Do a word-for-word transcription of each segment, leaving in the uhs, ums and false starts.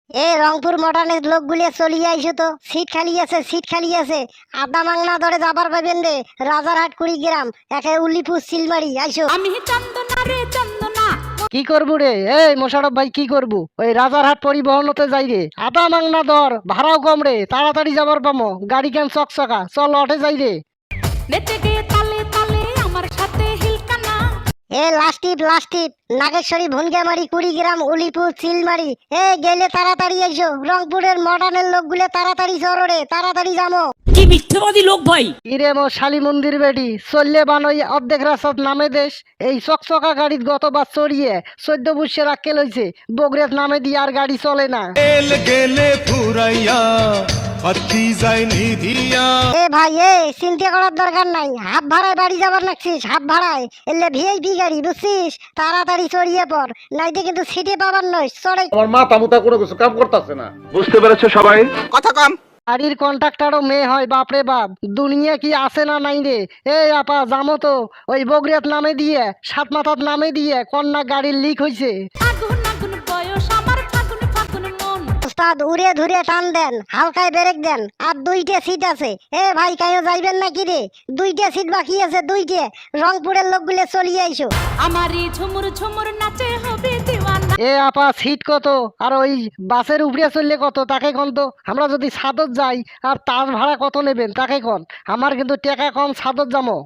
এ রংপুর মডার্নের লোকগুলি চলিয়ে আইসো তো, সিট খালি আছে, সিট খালি আছে। আদা মাংনা ধরে যাবার পাবেন রে, রাজারহাট কুড়িগ্রাম, একে উল্লিপুর সিলমারি আইসো। আমি চন্দনা রে চন্দনা। কি করবো রে? এই মোশারফ ভাই কি করবো? ওই রাজারহাট পরিবহনতে যাই রে, আদা মাংনা দর, ভাড়াও কম রে, তাড়াতাড়ি যাবার পামো, গাড়ি কেন চকচকা, চল অটে যাই রে। নেচে গে তালে তালে আমার সাথে হিলকানা। এ লাস্টিপ লাস্টিপ নাগেশ্বরী ভুনগামারি কুড়িগ্রাম উলিপুর চিলমারি, এ গেলে তাড়াতাড়ি আইসো। রংপুরের মডার্নের লোকগুলো তাড়াতাড়ি চলো রে, তাড়াতাড়ি যাবো। কি মিথ্যেবাদী লোক ভাই। ইরে মো শালি মন্দির বেটি, চললে বানই অর্ধেক রাস্তাত নামে দেশ। এই চকচকা গাড়িত গতবার চড়িয়ে চোদ্দ বুসের আক্কেল হয়েছে, বগরেত নামে দিয়ে আর গাড়ি চলে না। এল গেলে ফুরাইয়া পাতি যায় নিধিয়া। এ ভাই এ চিন্তা করার দরকার নাই, হাফ ভাড়ায় বাড়ি যাবার নাকছিস, হাফ ভাড়ায় এলে ভিআইপি গাড়ি বুঝছিস, তাড়াতাড়ি চড়িয়ে পড়, নাইতে কিন্তু সিটে পাবার নয়। চড়ে আমার মাথা মুতা কোনো কিছু কাম করতেছে না। বুঝতে পেরেছো সবাই? কথা কম। গাড়ির কন্ট্রাক্টারও মেয়ে হয়, বাপরে বাপ, দুনিয়া কি আছে না নাই রে। এই আপা জামো তো, ওই বগরিয়াত নামে দিয়ে সাত মাথাত নামে দিয়ে কন্যা গাড়ির লিক হয়েছে। আগুন আগুন বয়স আমার ফাগুন ফাগুন মন। ওস্তাদ উড়ে ধরে টান দেন, হালকায় ব্রেক দেন, আর দুইটা সিট আছে। এ ভাই কাইও যাইবেন নাকি রে? দুইটা সিট বাকি আছে, দুইটা। রংপুরের লোকগুলো চলিয়ে আইসো। আমারই ঝুমুর ঝুমুর নাচে হবে দিওয়ানা। এ আপা সিট কত, আর ওই বাসের উপরে চললে কত তাকে কন তো। আমরা যদি সাদত যাই আর তার ভাড়া কত নেবেন তাকে কন, আমার কিন্তু টাকা কম, সাদত যাবো।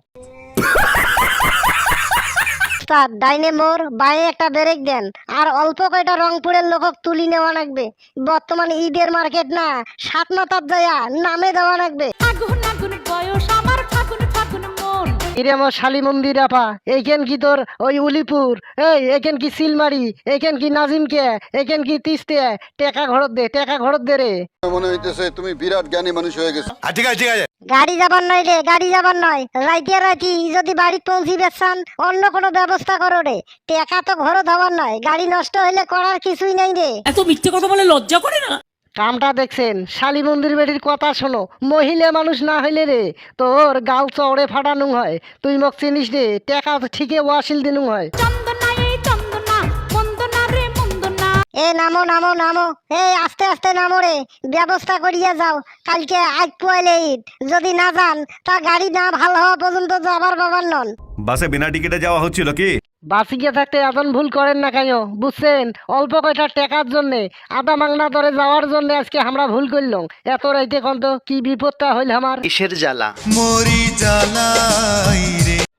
ওস্তাদ ডাইনে মোড়, বাঁয়ে একটা ব্রেক দেন, আর অল্প কয়টা রংপুরের লোকক তুলি নেওয়া লাগবে। বর্তমানে ঈদের মার্কেট না, সাত মাথার যায়া নামে দেওয়া লাগবে। আগুন আগুন বয়স আমার ফাগুন ফাগুন মন। ইরে আমার শালি মন্দির আপা, এইখান কি তোর ওই উলিপুর, এই এখান কি সিলমারি, এখান কি নাজিমকে, এখান কি তিস্তে, টেকা ঘরত দে, টেকা ঘরত দে রে। মনে হইতেছে তুমি বিরাট জ্ঞানী মানুষ হয়ে গেছো। ঠিক আছে ঠিক আছে। গাড়ি যাবার নয় রে, গাড়ি যাবার নয়। রাইতে রাইতি যদি বাড়িতে পৌঁছিবে চান, অন্য কোনো ব্যবস্থা করো রে। টেকা তো ঘরত হবার নয়, গাড়ি নষ্ট হইলে করার কিছুই নাই রে। এত মিথ্যে কথা বলে লজ্জা করে না? কামটা দেখছেন? শালি মন্দির বেটির কথা শোনো, মহিলা মানুষ না হইলে রে তোর গাল চড়ে ফাটানো হয়। তুই মোক চিনিস রে, টেকা ঠিকই ওয়াসিল দিনু হয়। চন্দনা এই চন্দনা, মন্দনা রে মন্দনা। এ নামো নামো নামো, এই আস্তে আস্তে নামো রে, ব্যবস্থা করিয়া যাও। কালকে আজ পয়লে ঈদ, যদি না যান তা গাড়ি না ভালো হওয়া পর্যন্ত যাবার বাবার নন। বাসে বিনা টিকিটে যাওয়া হচ্ছিল কি? বাসিকে থাকতে এমন ভুল করেন না কেন বুঝছেন? অল্প কয়টা টাকার জন্যে, আদা মাংনা ধরে যাওয়ার জন্য আজকে আমরা ভুল করলাম। এত রাইতে কন্ত কি বিপদটা হইল আমার। কিসের জ্বালা? মরি জ্বালাই রে।